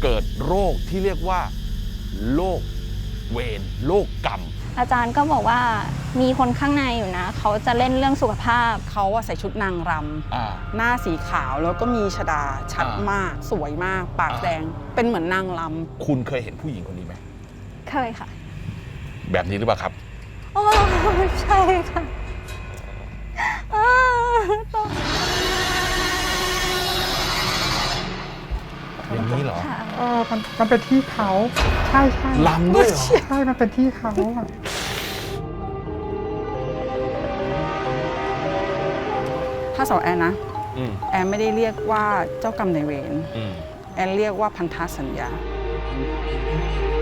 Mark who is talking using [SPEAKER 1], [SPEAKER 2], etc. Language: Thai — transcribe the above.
[SPEAKER 1] เกิดโรคที่เรียกว่าโรคเวรโรคกรรม
[SPEAKER 2] อาจารย์ก็บอกว่ามีคนข้างในอยู่นะเขาจะเล่นเรื่องสุขภาพ
[SPEAKER 3] เขาว่าใส่ชุดนางรำหน้าสีขาวแล้วก็มีชฎาชัดมากสวยมากปากแดงเป็นเหมือนนางรำ
[SPEAKER 1] คุณเคยเห็นผู้หญิงคนนี้ไหม
[SPEAKER 2] เคยค่ะ
[SPEAKER 1] แบบนี้หรือเปล่าครับ
[SPEAKER 2] โอ้ใช่ค่ะ
[SPEAKER 1] อย่างนี้เหรอ
[SPEAKER 4] มันเป็นที่เขาใช่
[SPEAKER 1] ลำด้วยเหรอ
[SPEAKER 4] ใช่มันเป็นที่เขา
[SPEAKER 3] ถ้าสาวแอนนะแอนไม่ได้เรียกว่าเจ้ากรรมนายเวรแอนเรียกว่าพันธสัญญา